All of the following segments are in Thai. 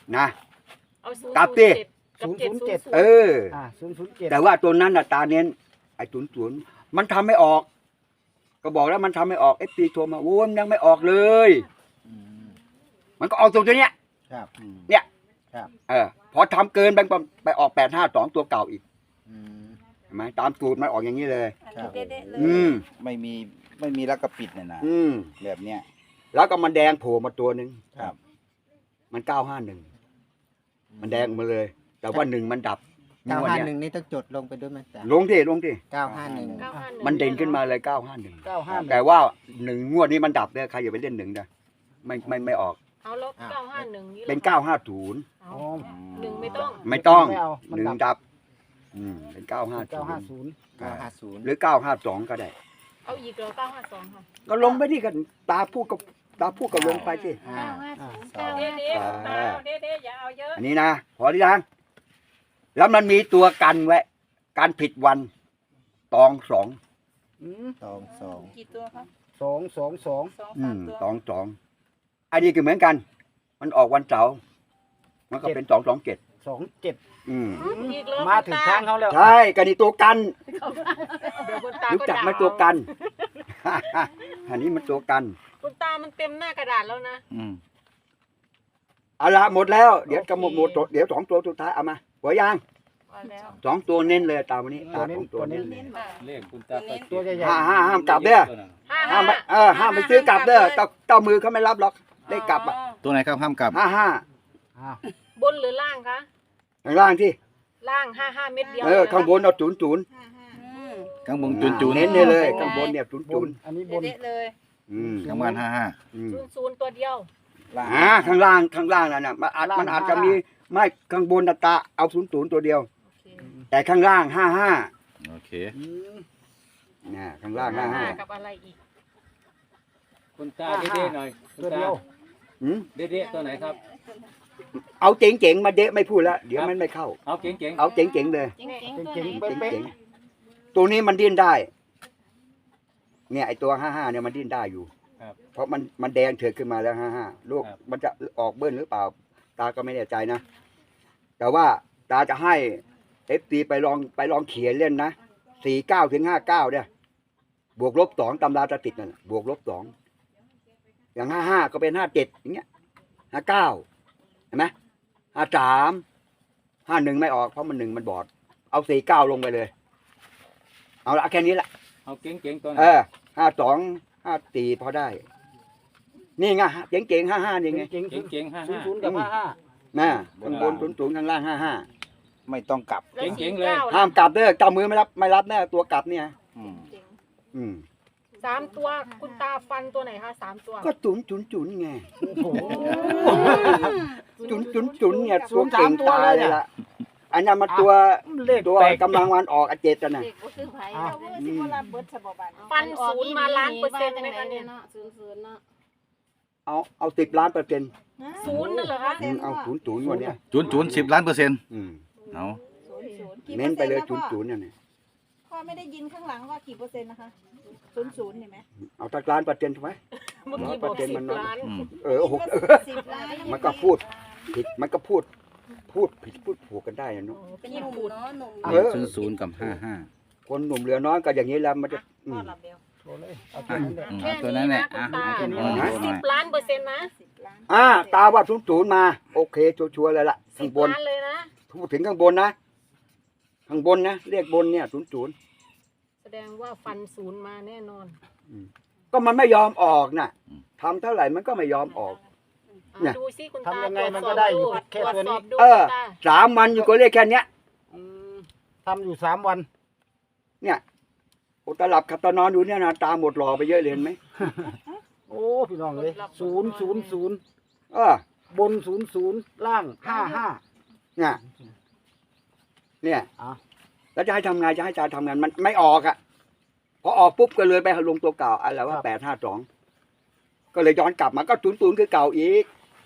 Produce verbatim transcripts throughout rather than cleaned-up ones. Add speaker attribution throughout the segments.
Speaker 1: นะ
Speaker 2: เอาศูนย์
Speaker 1: กลับดิ
Speaker 2: ศูนย์ศูนย์เจ็ด
Speaker 1: เออ
Speaker 3: อ่าศูนย์ศูนย์เจ็ด
Speaker 1: แต่ว่าตัวนั้นน่ะตาเน้นไอ้ศูนย์ศูนย์มันทำไม่ออก ก็บอกแล้วมันทำไม่ออกเอฟซีโทรมาโอ้ยมันยังไม่ออกเลย มันก็ออกตัวเนี้ย
Speaker 3: ครับ
Speaker 1: เนี่ย
Speaker 3: ครับ
Speaker 1: เออพอทำเกินไปไปออกแปดห้าสองตัวเก่าอีก
Speaker 3: อืม
Speaker 1: เห็นไหมตามสูตรมันออกอย่างนี้เลย
Speaker 3: ครับ
Speaker 4: เด็ดๆเลย
Speaker 1: อืม
Speaker 5: ไม่มีไม่มีแล้วก็ปิดเนี่ยนะ
Speaker 1: อืม
Speaker 5: แบบเนี้ย
Speaker 1: แล้วก็มันแดงโผล่มาตัวหนึ่ง
Speaker 5: ครับ
Speaker 1: มันเก้าห้าหนึ่งมันแดงมาเลย แต่ว่าหนึ่งมันดับ
Speaker 6: เก้า
Speaker 1: วัน
Speaker 6: ห้า
Speaker 1: เนี้ย
Speaker 6: หนึ่งนี่ต้องจดลงไปด้วยไหมจ๊ะ
Speaker 1: ลงที่ลงที่
Speaker 6: เก้าห้าหนึ่ง
Speaker 2: เก้าห้าหนึ่ง
Speaker 1: มันเด่นขึ้นมาเลยเก้าห้าหนึ่ง
Speaker 3: เก้าห้า
Speaker 1: แต่ว่าหนึ่งงวดนี้มันดับเนี่ยใครอย่าไปเล่นหนึ่งนะไม่ไม่ไม่ออก
Speaker 2: เอาแล้วเก้าห้าหนึ่งนี่
Speaker 1: เป็นเก้าห้าศูนย์
Speaker 2: เอา
Speaker 3: อ๋อ
Speaker 2: หนึ่งไม่ต้อง
Speaker 1: ไม่ต้อง
Speaker 3: ไม่เอามัน
Speaker 1: หนึ่ง
Speaker 3: ดับ
Speaker 1: ดับ อืมเป็นเก้าห้า
Speaker 3: เก้าห้า
Speaker 1: ศู
Speaker 3: ศู
Speaker 1: น
Speaker 3: น
Speaker 1: ย์
Speaker 3: ย์
Speaker 6: เก้าห้าศูนย์
Speaker 1: หรือเก้าห้าสองก็ได้
Speaker 2: เอาอีกเหรอเก้าห้าสองค่ะ
Speaker 1: ก็ลงไปที่กันตาพูดกับตาพูดกับลงไปสิ
Speaker 6: อ่า
Speaker 4: เก้าห้าศูนย์เก้า
Speaker 2: เด็
Speaker 4: ห้า
Speaker 2: ดเด็ดตาเด็ดเด็ดอย่าเอาเยอะ
Speaker 1: อันนี้นะพอที่ยังแล้วมันมีตัวกันไว้การผิดวันตองสอง
Speaker 3: อืม
Speaker 6: สองสอง
Speaker 4: กี่ตัวครับ
Speaker 3: สองสองสอง
Speaker 4: สอง
Speaker 1: อื
Speaker 4: สาม
Speaker 1: ม
Speaker 4: ตัว
Speaker 1: ตองสองอันนี้ก็เหมือนกัน มันออกวันเสาร์มันก็เป็นสองสองเจ็ด
Speaker 3: สองเจ็ด
Speaker 1: อืม
Speaker 2: อีกเหรอ
Speaker 3: มาถึงทางเขาแล้ว
Speaker 1: ใช่กันนี่ตัวกัน
Speaker 2: เดี๋ยวคุณตา
Speaker 1: รู้
Speaker 2: ก็
Speaker 1: จัก
Speaker 2: ด่า
Speaker 1: ไหมตัวกัน อันนี้มันตัวกัน
Speaker 2: คุณตามันเต็มหน้ากระดาษแล้วนะ
Speaker 5: อืม
Speaker 1: เอาละหมดแล้ว เดี๋ยวจะหมดหมดเดี๋ยวสองตัวสุดท้ายเอามาหัวยาง
Speaker 2: ว่าแล้ว
Speaker 1: สองตัวเน้นเลยตามวันนี้ตาสองตัวเน้นเลย
Speaker 4: เน้นมา
Speaker 7: เลขคุณตาก็
Speaker 3: ตัวใหญ่
Speaker 1: ห้าห้าห้ามกลับเด้อ
Speaker 2: ห้า
Speaker 1: ห้า
Speaker 2: ห้าม
Speaker 1: ไปเออห้ามไปซื้อกลับเด้อเจ้าเจ้ามือเขาไม่รับหรอกได้กลับอ่ะ
Speaker 5: ตัวไหนครับห้ามกลับ
Speaker 1: ห้าห้า
Speaker 3: ๆอ่า
Speaker 2: บนหรือล่างคะ
Speaker 1: ข้างล่างที่
Speaker 2: ล่างห้าห้าเม็ดเดียว
Speaker 1: เออข้างบนเอาศูนย์ศูนย์
Speaker 4: ห้าห้า
Speaker 2: อืม
Speaker 5: ข้างบนจุนจุน
Speaker 1: เน้นเนี่ยเลยข้างบนเนี่ยศูนย์
Speaker 3: บ
Speaker 1: ศู
Speaker 3: น
Speaker 1: นย์
Speaker 3: อันนี้บน
Speaker 4: เด็ดๆเลย
Speaker 1: อืม
Speaker 5: ข้างบ้านห้าห้า
Speaker 1: อืม
Speaker 2: ศูนย์ศูนย์ตัวเดียว
Speaker 1: อ่าข้างล่างข้างล่างนั่นน่ะมันอาจมันอาจจะมีไม่ข้างบนน่ะตาเอาศูนย์ศูนย์ตัวเดียว
Speaker 2: โอเค
Speaker 1: แต่ข้างล่างห้าห้า
Speaker 5: โอเค
Speaker 3: อืม
Speaker 1: เนี่ยข้างล่างห้าห้า
Speaker 2: กับอะไรอีก
Speaker 7: คุณตาเด็ดๆหน่อยคุณ
Speaker 3: ตัว
Speaker 7: ตา
Speaker 3: เดียว
Speaker 1: อืม
Speaker 7: เด็ดๆตัวไหนครับ
Speaker 1: เอาเจ๋งๆมาเดะไม่พูดแล้วเดี๋ยวมันไม่เข้า
Speaker 7: เอาเก่งๆ
Speaker 1: เอาเจ๋งๆเลย
Speaker 4: เจ๋งๆตัวไหน
Speaker 3: เป๊ะ
Speaker 1: เจ๋งๆตัวนี้มันดิ้นได้ เนี่ยไอตัวห้าห้าเนี่ยมันดิ้นได้อยู่
Speaker 7: ครับ
Speaker 1: เพราะมันมันแดงเถือกขึ้นมาแล้วห้าห้าลูก
Speaker 7: ครับ
Speaker 1: มันจะออกเบิ้ลหรือเปล่า ตาก็ไม่แน่ใจนะ แต่ว่าตาจะให้เอฟซีไปลองไปลองเขียนเล่นนะสี่เก้าถึงห้าเก้าเนี่ยบวกลบสองตำราจะติดนั่นน่ะบวกลบสองอย่างห้าห้าก็เป็นห้าเจ็ดอย่างเงี้ยห้าเก้าเห็นไหมห้าสามห้าหนึ่งไม่ออกเพราะมันหนึ่งมันบอด เอาสี่เก้าลงไปเลย เอาละแค่นี้แหละ
Speaker 7: เอาเก่งๆตัวไหน
Speaker 1: เออห้าสองห้าสี่พอได้ นี่ไงเจ๋งเจ๋งห้าห้านี่ไง
Speaker 3: ๆเจ๋งๆ
Speaker 7: เก่งๆห้า
Speaker 3: ศูน
Speaker 7: ห้า
Speaker 3: ย์ศูนย์กับห้าห้า
Speaker 1: น่ะข้างบนศูนย์ศูนย์ข้างล่างห้าห้า
Speaker 5: ไม่ต้องกลับ
Speaker 2: แล้ว
Speaker 7: เจ๋งๆ
Speaker 2: สี่
Speaker 7: เลย
Speaker 2: ก้
Speaker 1: ห้ามกลับเด้อเจ้ามือไม่รับไม่รับแน่ตัวกลับเนี่ย
Speaker 5: อืม
Speaker 2: เจ๋ง
Speaker 1: อืม
Speaker 2: สามตัวคุณตาฟันตัวไหนคะสามตัว
Speaker 1: ก็จุนจุนจุนไง
Speaker 3: โอ้โห
Speaker 1: จุนจุนจุนเนี่ยตัวเก่งตายเลยล่ะอันนั้นมันตัว
Speaker 3: เลข
Speaker 1: ตัว
Speaker 3: แปลก
Speaker 1: กำลังวันออกอาเจตนะ
Speaker 4: เด็กก็คือไผ่
Speaker 3: อ่ะ
Speaker 4: เราก็สิบ่รับเบิดฉบับบัด
Speaker 2: ฟันศูนย์มาล้านเปอร์เซ็นต์ไหมคะเนี่ย
Speaker 4: เนาะศูนย์ศูนย์เนาะ
Speaker 1: เอาเอาสิบล้านเปอร์เซ็นต์
Speaker 2: ศูนย์นั่นเหรอคะ
Speaker 1: อืมเอาศูนย์ศูนย์วันเนี้ย
Speaker 5: จุนจุนสิบล้านเปอร์เซ็นต์
Speaker 1: อืม
Speaker 5: เอา
Speaker 4: ศูนย์ศูนย์กี่
Speaker 1: เน้นไปเลย
Speaker 4: ปอ
Speaker 1: ศูนย์
Speaker 4: ร์
Speaker 1: ศู
Speaker 4: ซ็
Speaker 1: นย์เนี่ยนะ
Speaker 4: พ่อไม่ได้ยินข้างหลังว่ากี่เปอร์เซ็นต์นะคะศูนย์ศูนย์เห็นไหม
Speaker 1: เอาสักล้านเปอร์เซ็นต์ถูกไหม
Speaker 2: เมื่อกี้บอกสิบล้าน
Speaker 5: อืม
Speaker 1: เออหก
Speaker 4: สิบล้าน
Speaker 1: มันก็พูดผิดมันก็พูด พูดผิดพูดผูกกันได้นะเนาะ
Speaker 4: เป็นหนุ่มเนาะหนุ่ม
Speaker 1: เออ
Speaker 5: ศูนย์ศูนย์กับห้าห้า
Speaker 1: คนหนุ่มเหลือน้อยก็อย่างนี้แล้วมันจะอื
Speaker 4: พ่อ
Speaker 1: ม
Speaker 4: รับเบล
Speaker 3: โชว์เลยเอาตัวนั้นเลย
Speaker 5: อืม
Speaker 2: แค่
Speaker 5: เอาตัว
Speaker 2: นี้
Speaker 5: นั้นแห
Speaker 2: นะ
Speaker 5: ละ
Speaker 2: คุณ
Speaker 5: อ่ะ
Speaker 2: ตา
Speaker 5: ให้คุณพ่อ
Speaker 1: นะ
Speaker 5: ดูห
Speaker 2: สิ
Speaker 5: น่
Speaker 2: บ
Speaker 5: อย
Speaker 2: ล้านเปอร์เซ็นต์นะ
Speaker 4: สิบล้าน
Speaker 1: อ่าตาว่าศูนย์ศูนย์มา โอเคชัวร์ๆเลยล่ะ
Speaker 2: สิ
Speaker 1: ข้าง
Speaker 2: บบ
Speaker 1: น
Speaker 2: ล้านเลยนะ
Speaker 1: พูดถึงข้างบนนะข้างบนนะเรียกบนเนี่ยศูนย์ศูนย์
Speaker 2: แสดงว่าฟันศูนย์มาแน่นอน
Speaker 1: ก็มันไม่ยอมออกน่ะทำเท่าไหร่มันก็ไม่ยอมออก
Speaker 2: อ่ะ
Speaker 1: เนี่ย
Speaker 2: ดูสิคุณตา
Speaker 3: ทำยังไง
Speaker 2: ตรวจ
Speaker 3: มัน
Speaker 2: ส
Speaker 3: ก็
Speaker 2: อบ
Speaker 3: ได้อยู่
Speaker 2: ดู
Speaker 3: แค่
Speaker 2: ตรวจ
Speaker 3: ตัว
Speaker 2: ส
Speaker 3: นี้
Speaker 2: อบดู
Speaker 1: เออ
Speaker 2: คุณตา
Speaker 1: สามวันอยู่ก็เรียกแค่เนี้ย
Speaker 3: อืมทำอยู่สามวัน
Speaker 1: เนี่ยโอตาหลับขับตานอนอยู่เนี่ยนะตาหมดหล่อไปเยอะเลยเห็นไหม
Speaker 3: โอ้พี่น้องเลยศูนย์ศูนย์ศูนย์
Speaker 1: เออบ
Speaker 3: นศูนย์ศูนย์ล่างห้าห้า
Speaker 1: เนี่ยเนี่ย
Speaker 3: อ่ะ
Speaker 1: แล้วจะให้ทำไงจะให้จาทำงานมันไม่ออกอ่ะพอออกปุ๊บก็เลยไปลงตัวเก่าอะไรว่าแปดห้าสองก็เลยย้อนกลับมาก็ศูนย์ศูนย์คือเก่าอีก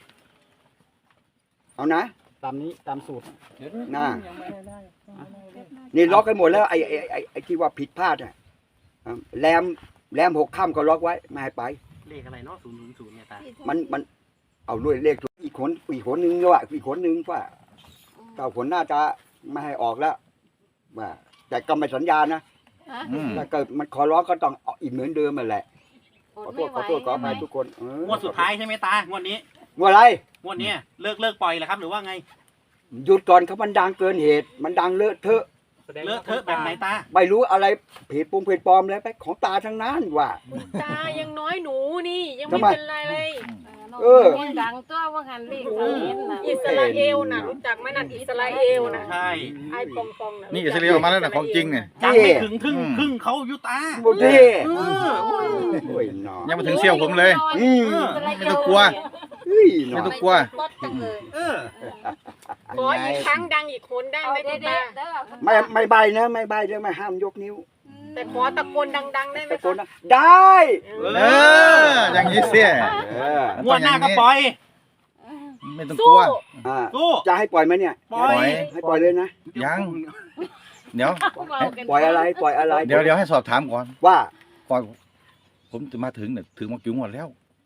Speaker 1: เอานะ
Speaker 3: ตามนี้ตามสูตร
Speaker 7: เดี๋ยว
Speaker 1: น่า
Speaker 7: ยังไม่ได้
Speaker 1: นี่ล็อกให้หมดแล้วไอ้ไอ้ไอ้ไอ้ที่ว่าผิดพลาดอ่ะอ่ะแรมแรมหกค่ำก็ล็อกไว้ไม่ให้ไป
Speaker 8: เลขอะไรเนาะศูนย์ศูนย์ศูนย์เนี่ยตา
Speaker 1: มันมันเอาด้วยเลขตัวอีอีกคนอีกคนนึงด้วยอีกคนนึงว่าเก้าคนน่าจะไม่ให้ออกแล้วว่าแต่ก็ไม่สัญญานะ
Speaker 5: อืม
Speaker 1: ถ้าเกิดมันขอร้องก็ต้องเอาอีกเหมือนเดิมมาแหละขอโทษขอโทษขออภัยทุกคนเออง
Speaker 8: วดสุดท้ายใช่ไหมตางวดนี้
Speaker 1: งวดอะไร
Speaker 8: งวดเนี้ยเลิกเลิกปล่อยแล้วครับหรือว่าไง
Speaker 1: หยุดก่อนครับมันดังเกินเหตุ มันดังเลอะเทอะ
Speaker 8: เลอะเทอะแบบไหนตา
Speaker 1: ไม่รู้อะไรเพจปรุงเพจปลอมแล้วไปของตาทั้งนั้นว่า
Speaker 2: คุณตายังน้อยหนูนี่ยัง
Speaker 1: ทำ
Speaker 2: ไม่
Speaker 1: ไม
Speaker 2: เป็นไรเลย
Speaker 1: เออ
Speaker 4: ดังตัวว่าหันเลขเขาเห็นนะ
Speaker 2: อิสราเอลน่ะรู้จักไหมนั่นอิสราเอลน่ะ
Speaker 8: ใช่
Speaker 2: ไอ้ปองปองน่ะ
Speaker 5: นี่อิสราเอลออกมาแล้วนะของจริงเนี่ย
Speaker 8: จังไม่ถึงครึ่ง
Speaker 5: อืม
Speaker 8: ครึ่งเขาอยุตา
Speaker 1: โมเท่
Speaker 8: เออโอ้ย
Speaker 1: โอ้ยหนอ
Speaker 5: ยังมาถึงเซี่ยวผมเลย
Speaker 1: อืม
Speaker 5: ไม่ต้องกลัว
Speaker 1: เฮ้ยหน
Speaker 5: ไม่
Speaker 1: อ
Speaker 5: ต้องกลัว
Speaker 4: บดจังเลย
Speaker 8: เออ
Speaker 2: ขออีกครั้งดังอีกคนได้ไหมคุณตา
Speaker 1: ไม่ไม่ใบนะไม่ใบเรื่องไม่ห้ามยกนิ้ว
Speaker 2: แต่ขอตะโกนดังๆได้ไหม
Speaker 1: ตะโก
Speaker 2: คะ
Speaker 1: นนะได้
Speaker 5: เออ อย่างนี้เสีย
Speaker 1: เออ
Speaker 8: งวดหน้าก็ปล่อย
Speaker 5: ไม่ต้องก
Speaker 2: สู้
Speaker 5: ลัว
Speaker 1: อ่า
Speaker 8: สู้
Speaker 1: จะให้ปล่อยไหมเนี่ย
Speaker 8: ปล่อย
Speaker 1: ให้ปล่อยเลยนะ
Speaker 5: ยัง เดี๋ยว
Speaker 1: ปล่อยอะไรปล่อยอะไร
Speaker 5: เดี๋ยวเดี๋ยวให้สอบถามก่อน
Speaker 1: ว่า
Speaker 5: ก่อนผมจะมาถึงเนี่ยถึงมากี่งวดแล้ว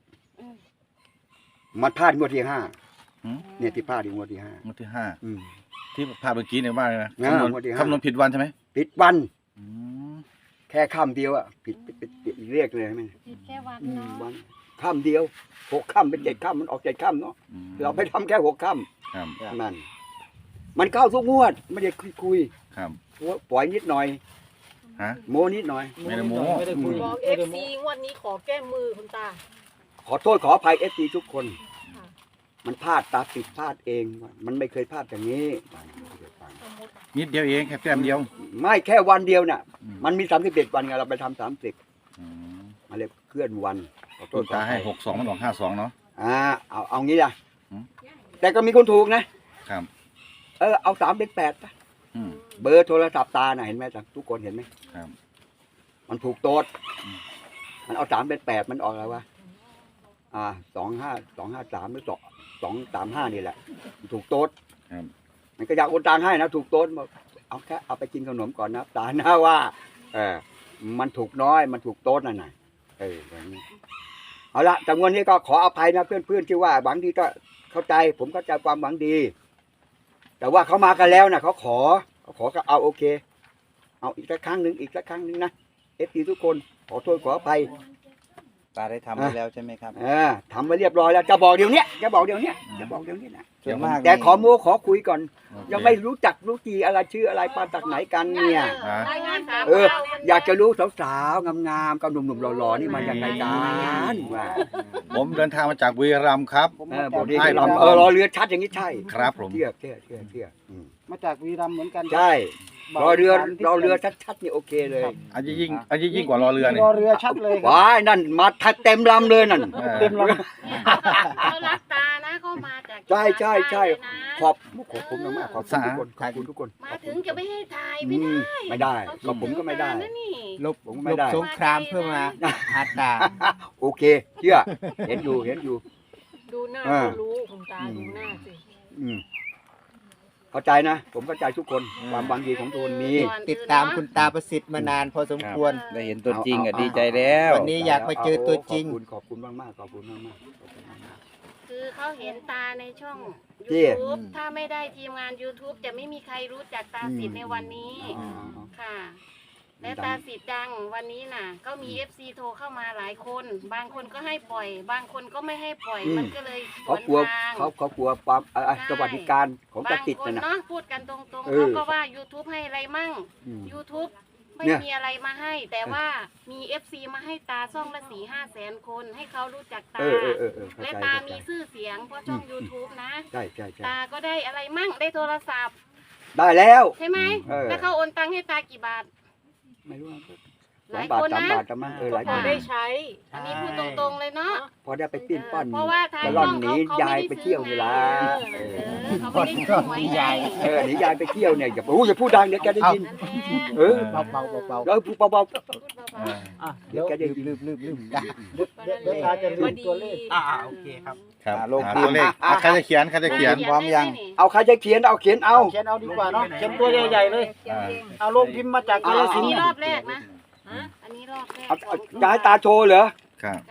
Speaker 1: มันพลาดงวดที่ห้า
Speaker 5: หืม
Speaker 1: เนี่ยที่พลาดที่งวดที่ห้าง
Speaker 5: วดที่ห้า
Speaker 1: อืม
Speaker 5: ที่ภาพเมื่อกี้เนี่ยว่าไงนะ
Speaker 1: อ่า
Speaker 5: คำนวณ
Speaker 1: งวดที่ห้า
Speaker 5: คำนวณผิดวันใช่ไหม
Speaker 1: ผิดวัน
Speaker 5: อืม
Speaker 1: แค่ค่ำเดียวอ่ะผิดผิดผิดผิดเรียกเลยไหม
Speaker 4: แค่วัน
Speaker 1: อืม
Speaker 4: เนาะ
Speaker 1: วันค่ำเดียวหกค่ำเป็นเจ็ดค่ำมันออกเจ็ดค่ำเนาะ
Speaker 5: อืม
Speaker 1: เราไปทำแค่หกค่
Speaker 5: ครับ
Speaker 1: ำนั่นมันเข้าทุกงวดไม่ได้คุยคุย
Speaker 5: ครับ
Speaker 1: ปล่อยนิดหน่อย
Speaker 5: ฮะ
Speaker 1: โมนิดหน่อย
Speaker 5: ไม่ได้โม้
Speaker 3: ไม่ได้คุย
Speaker 2: บอกเอ
Speaker 3: ไม่
Speaker 2: ฟ
Speaker 3: ได้โม้
Speaker 2: ซีงวดนี้ขอแก้มือคุณตา
Speaker 1: ขอโทษขออภัยเอฟซีทุกคน
Speaker 2: ค่ะ
Speaker 1: มันพลาดตาปิดพลาดเองมันไม่เคยพลาดอย่างนี้
Speaker 5: นิดเดียวเองแค่แต้มเดียว
Speaker 1: ไม่แค่วันเดียวน่ะ
Speaker 5: อืม
Speaker 1: มันมีสามสิบเอ็ดวันไงเราไปทำสามสิบ
Speaker 5: อืม
Speaker 1: มาเลยเคลื่อนวันขอโท
Speaker 5: ต้
Speaker 1: ษ
Speaker 5: น
Speaker 1: ขอ
Speaker 5: ตา
Speaker 1: อ
Speaker 5: ให้
Speaker 1: ภัย
Speaker 5: หกสองมันออกห้าสองเนาะ
Speaker 1: อ่าเอาเอางี้ล่ะ
Speaker 5: อืม
Speaker 1: แต่ก็มีคนถูกนะครับ เออเอาสามเป็นแปดปะ
Speaker 5: อืม
Speaker 1: เบอร์โทรศัพท์ตาน่ะเห็นไหมจ๊ะทุกคนเห็นไหม
Speaker 5: ครับ
Speaker 1: มันถูกโต๊ด
Speaker 5: อืม
Speaker 1: มันเอาสามเป็นแปดมันออกอะไรวะอ่าสองห้าสองห้าสามหรือสองสองสามห้านี่แหละมันถูกโต๊ด
Speaker 5: ครับ
Speaker 1: มันก็อยากโอนตังค์ให้นะถูกโต๊ดบอกเอาแค่เอาไปกินขนมก่อนนะตาหน้าว่า เออมันถูกน้อยมันถูกโต๊ดนั่นน่ะเอออย่างนี้เอาละแต่วันนี้ก็ขออภัยนะเพื่อนๆที่ว่าหวังดีก็เข้าใจ ผมเข้าใจความหวังดี แต่ว่าเขามากันแล้วนะเขาขอเขาขอก็เอาโอเค เอาอีกสักครั้งหนึ่งอีกสักครั้งหนึ่งนะเอฟซีทุกคนขอโทษขออภัย
Speaker 6: ตาได้ทำไปแล้วใช่ไหมครับ
Speaker 1: เออทำไปเรียบร้อยแล้วจะบอกเดี๋ยวเนี้ยจะบอกเดี๋ยวเนี้ยจะบอกเดี๋ยวนี้นะ
Speaker 6: ส่วนมาก
Speaker 1: แต่ขอโม้ขอคุยก่อน
Speaker 5: โอเค
Speaker 1: ยังไม่รู้จักรู้จีอะไรชื่ออะไรมาจากไหนกันเนี่ย
Speaker 5: อ่ะ
Speaker 2: รายงานสาม
Speaker 1: เออ
Speaker 2: ดาว
Speaker 1: อยากจะรู้สาวๆงามๆกับหนุ่มๆหล่อๆนี่มาจากไหนกันว่า
Speaker 5: ผมเดินทางมาจากบุรีรัมย์ครับ
Speaker 3: ผม
Speaker 1: เอ
Speaker 3: มา
Speaker 1: อ
Speaker 3: จาก
Speaker 1: บอกดี
Speaker 5: ให้
Speaker 1: เรา
Speaker 5: ลำ
Speaker 1: เออรอเรือชัดอย่างนี้ใช่
Speaker 5: ครับผม
Speaker 1: เชื่อเชื่อเชื่อเชื่ออืม
Speaker 3: มาจากวีรัมย์เหมือนกัน
Speaker 1: ใช่รอเรือรอเรือชัดๆนี่โอเคเลย
Speaker 5: อันนี้ยิ่งอันนี้ยิ่งกว่ารอเรือเนี่ย
Speaker 3: รอเรือชัดเลยครับ
Speaker 1: ว้ายนั่นมาทัดเต็มลำเลยนั่น
Speaker 5: เออ
Speaker 3: เต็มลำ
Speaker 4: เขารักตานะเขามาจาก
Speaker 1: ใช่ใช่ใช่
Speaker 4: นะ
Speaker 1: ขอบขอบคุณมากๆขอบคุณทุกคนขอบคุณทุกคน
Speaker 4: มาถึงจะไม่ให้ถ่าย
Speaker 1: อื
Speaker 4: ไม่
Speaker 1: ม
Speaker 4: ได้
Speaker 1: ไม่ได้ก็ผมก็ไม่ได้
Speaker 4: เขาคิถึงตานะนี่
Speaker 6: ลบ
Speaker 1: ผมก็
Speaker 6: ล
Speaker 1: ไม่
Speaker 6: บ
Speaker 1: ได้
Speaker 6: สงครามเพื่อมาหาตา
Speaker 1: โอเคเชื่อเห็นอยู่เห็นอยู่
Speaker 2: ดูหน้า
Speaker 1: อ่า
Speaker 2: ก็รู้คุณตาดูหน้าสิ
Speaker 1: อืมเข้าใจนะ ผมเข้าใจทุกคนความหวังดีของทุกคนมี
Speaker 6: ติดตามคุณตาประสิทธิ์มานานพอสมควร
Speaker 5: ได้เห็นตัวจริงอ่ะ
Speaker 1: เอาเอา
Speaker 5: ดีใจแล้ว
Speaker 6: วันนี้อยากมาเจอตัวจริง
Speaker 1: ขอบคุณขอบคุณมากมากๆขอบคุณมากมากๆขอบคุณมากมาก
Speaker 4: คือเขาเห็นตาในช่อง
Speaker 1: ที่
Speaker 4: YouTube ถ้าไม่ได้ทีมงาน YouTube จะไม่มีใครรู้จักตาสิทธิ์ในวันนี้
Speaker 1: ๆอ๋อ
Speaker 4: ค่ะ และตาสิทธิ์ดังวันนี้น่ะ ก็มี เอฟ ซี โทรเข้ามาหลายคน บางคนก็ให้ปล่อย บางคนก็ไม่ให้ปล่อย มันก็เลยส
Speaker 1: เขา
Speaker 4: วน
Speaker 1: กลัว
Speaker 4: ทาง
Speaker 1: เขาเขากลัวความเอ่อ
Speaker 4: ใช่
Speaker 1: สวัสดิการของ
Speaker 4: บา
Speaker 1: ตาง ติด
Speaker 4: คน
Speaker 1: นะนะ
Speaker 4: เนาะพูดกันตรงๆ
Speaker 1: เออ
Speaker 4: เขาก็ว่า YouTube ให้อะไรมั่ง
Speaker 1: อืม
Speaker 4: YouTube ไม่
Speaker 1: เนี่ย
Speaker 4: มีอะไรมาให้ แต่ว่ามี เอฟ ซี มาให้ตาช่องละสี่ห้าแสนคน ให้เขารู้จักตา
Speaker 1: เออเออเออเออเข้า
Speaker 4: และ
Speaker 1: ใจ
Speaker 4: ตา
Speaker 1: เข้าใจ
Speaker 4: มีชื่อเสียงเพราะช่อง YouTube นะ
Speaker 1: ใช่ใช่ใช่
Speaker 4: ตาก็ได้อะไรมั่งได้โทรศัพท์
Speaker 1: ได้แล้ว
Speaker 4: ใช่ไหม
Speaker 1: เออ
Speaker 4: แล้วเขาโอนตังค์ให้ตากี่บาท
Speaker 1: ไม่รู้ว่า
Speaker 4: ห
Speaker 1: สอง
Speaker 4: ลาย
Speaker 1: บาท
Speaker 4: คน
Speaker 1: สาม
Speaker 4: นะ
Speaker 1: บาทจะมั้งเออหลาย
Speaker 2: พ
Speaker 1: ค
Speaker 2: อน ได้ใช้
Speaker 4: อันนี้พูดตรงๆเลยเนาะ
Speaker 1: พอได้ไปปิ้นป้อน
Speaker 4: เพราะว่าทาง
Speaker 1: กระล่อน
Speaker 4: ช่อง
Speaker 1: หนี
Speaker 4: เขา
Speaker 1: ยาย
Speaker 4: เขา
Speaker 1: ไป
Speaker 4: ไม่ได้
Speaker 1: เที่ยว
Speaker 4: ซื้
Speaker 1: เว
Speaker 4: อ
Speaker 1: ลา
Speaker 4: ไง
Speaker 1: เอ
Speaker 4: เอ
Speaker 1: อ
Speaker 4: อเขาไม่ได้ซื้อหวยไง
Speaker 1: เออหนียายไปเที่ยวเนี่ยอย่าโอ้ยอย่าพูดดังเดี๋ยวแกได้ยิน
Speaker 4: นั่นแหละ
Speaker 1: เออ
Speaker 6: เบาเบาเบา
Speaker 1: แล้วพูดเบา
Speaker 4: พูดเบา
Speaker 5: เออ
Speaker 3: อ่ะ
Speaker 1: ๆ
Speaker 3: เดี๋
Speaker 1: เดี๋
Speaker 3: ย
Speaker 1: ยว วแกได้ยิน
Speaker 6: ลืมลืมลืมได้
Speaker 3: เดี๋ยวเดี๋ยวเดี๋ยวตาจะลืมตัวเลข
Speaker 8: อ่าโอเคครับ
Speaker 5: ครับ
Speaker 6: อ่าลง
Speaker 5: หา
Speaker 6: พิมพ์
Speaker 5: ตัวเลขอ่ะใครจะเขียนใครจะ
Speaker 4: ๆ
Speaker 5: เขียน
Speaker 6: พร้อมยัง
Speaker 1: เอาใครจะเขียนเอาเขียนเอา
Speaker 3: เขียนเอาดีกว่าเนาะเขียนตัวใหญ่ๆเลย
Speaker 5: อ่า
Speaker 3: เอาลงพิมพ์มาจากกาฬ
Speaker 4: อัน
Speaker 3: สิน
Speaker 4: นี้
Speaker 3: ธุ์
Speaker 4: รอบแรกนะ อันนี้รอบแรก
Speaker 1: เอาเอาจะให้ตาโชว์เหรอ
Speaker 5: ครับ
Speaker 4: ตายกสัก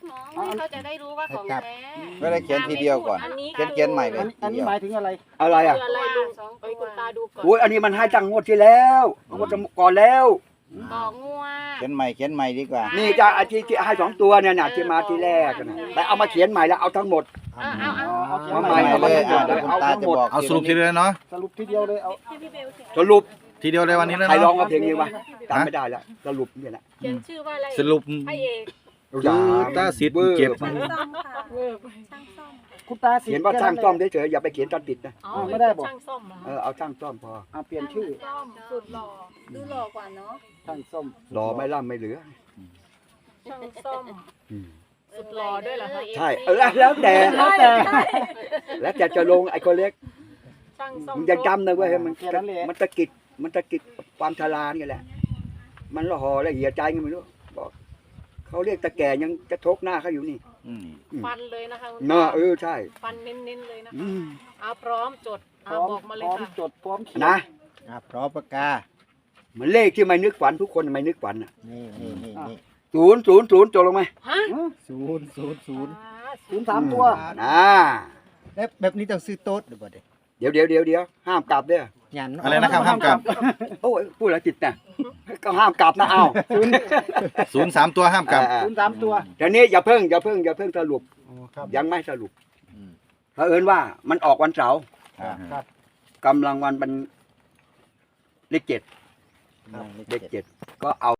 Speaker 4: น้องให้เขาจะได้รู้ว่าของแท้
Speaker 9: ไม่ได้เขียนทีเดียวก่อน
Speaker 2: อันนี้
Speaker 9: เขียนเขียนใหม่เลย
Speaker 3: อันอันนี้หมายถึงอะไร
Speaker 1: อะไรอ่ะ
Speaker 2: คืออะไรลุงเอ้ยคุณตาดูก่อน
Speaker 1: โอ้ยอันนี้มันให้ตั้งงวดที่แล้วงวดก่อนแล้ว
Speaker 4: ต่องัว
Speaker 9: เขียนใหม่เขียนใหม่ดีกว่า
Speaker 1: นี่จะอาที่ที่ให้สองตัวเนี่ยนะที่มาที่แรกนะแต่เอามาเขียนใหม่แล้วเอาทั้งหมด
Speaker 4: เอาเอาเอา
Speaker 3: เอาเขียน
Speaker 1: เอา
Speaker 3: ให
Speaker 1: ใหม่
Speaker 3: ม่
Speaker 1: เอา
Speaker 9: เลย
Speaker 1: ทั้งหม
Speaker 9: อ่ะ
Speaker 1: ด
Speaker 9: เดี๋ยวคุณ
Speaker 1: เอา
Speaker 9: ตา
Speaker 1: ทั้ง
Speaker 9: จะ
Speaker 1: หมด
Speaker 9: บอก
Speaker 5: เอาสรุปทีเดียวเลยเนาะ
Speaker 3: สรุปทีเดียวเลยเอา
Speaker 1: สรุป
Speaker 5: ทีเดียวเลยวันนี้เลย
Speaker 1: ใครร้อง
Speaker 5: เนาะ
Speaker 1: มาเพลงนี้วะจำไม่ได้แล้วสรุปเนี่ยนะ
Speaker 2: เขียนชื่อว่าอะไร
Speaker 5: สรุป
Speaker 2: พระเอก
Speaker 5: คือตาสิทธิ์เจ็บ
Speaker 2: เวอร์ไป
Speaker 3: คุณตาสิ
Speaker 1: เขียนว่าช่างซ่อมเฉยๆอย่าไปเขียนตัดติดนะ
Speaker 2: เอา
Speaker 3: ไม่ได้บอก
Speaker 2: ช่างซ่อมเหรอ
Speaker 1: เออเอาช่างซ่อมพอ
Speaker 3: เอาเปลี่ยนชื่อ
Speaker 2: ซ่อมสุดหล่อดูหล่อกว่าเนาะ
Speaker 3: ช่างส้ม
Speaker 1: รอไม่ล่ำไม่เหลือ
Speaker 2: ช่างซ่อม
Speaker 1: อืม
Speaker 2: สุดหล่อด้วยเหรอคะ
Speaker 1: ใช่เออแล้วแต่
Speaker 3: แล้วแต่
Speaker 1: แล้วแต่จะลงไอ้คนเล็ก
Speaker 2: ช่างซ่อม
Speaker 1: มึงจะจำนะเว้ยมัน
Speaker 3: แค่นั้นแหละ
Speaker 1: มันตะกิดมันตะกิดความชรานี่แหละ มันละห่อละเหี่ยใจไงไม่รู้บอกเขาเรียกตะแก่ยังจะทกหน้าเขาอยู่นี่
Speaker 5: อืม
Speaker 2: ฟันเลยนะคะคุณ
Speaker 1: เนาะ
Speaker 2: ตา
Speaker 1: เออใช่
Speaker 2: ฟันเน้นๆเลยนะคะ
Speaker 1: อืม
Speaker 2: เอาพร้อมจด
Speaker 3: พ
Speaker 2: เอา
Speaker 3: ร้อม
Speaker 2: บอกมา
Speaker 3: พ
Speaker 2: เลย
Speaker 3: ร้อม
Speaker 2: ค่ะ
Speaker 3: จดพร้อมเขียน
Speaker 1: นะ
Speaker 6: อ่ะพร้อมปากกา
Speaker 1: เหมือนเลขที่ไม่นึกฝันทุกคนไม่นึกฝันอ่ะ
Speaker 6: นี่นี่นี่นี่
Speaker 1: ศูนย์ศูนย์ศูนย์จบลงไหม
Speaker 2: ฮะ
Speaker 6: ศูนย์ศูนย์ศูนย์
Speaker 2: อ่า
Speaker 3: ศูนย์สามตัว
Speaker 1: อ่า
Speaker 6: แล้วแบบนี้ต้องซื้อโต๊ดหรือเปล่าเด็ก
Speaker 1: เดี๋ยวเดี๋ยวเดี๋ยวเดี๋ยวห้ามกลับเด้อ
Speaker 6: ยัน
Speaker 5: อะไรนะครับห้ามกลับ
Speaker 1: โอ้ยพูดแล้วจิตนะก็ห้ามกลับนะเอา
Speaker 5: ศูนย์สามตัวห้ามกลับ
Speaker 1: อ่า
Speaker 3: ศูนย์สามตัว
Speaker 1: เดี๋ยวนี้อย่าเพิ่งอย่าเพิ่งอย่าเพิ่งสรุป
Speaker 3: อ๋อครับ
Speaker 1: ยังไม่สรุป
Speaker 6: อืม
Speaker 1: เผอิญว่ามันออกวันเสาร์
Speaker 6: ครับ
Speaker 3: ครับ
Speaker 1: กำลังวันเป็นเลขเจ็ด
Speaker 6: ครับ
Speaker 1: เลขเจ็ดก็เอา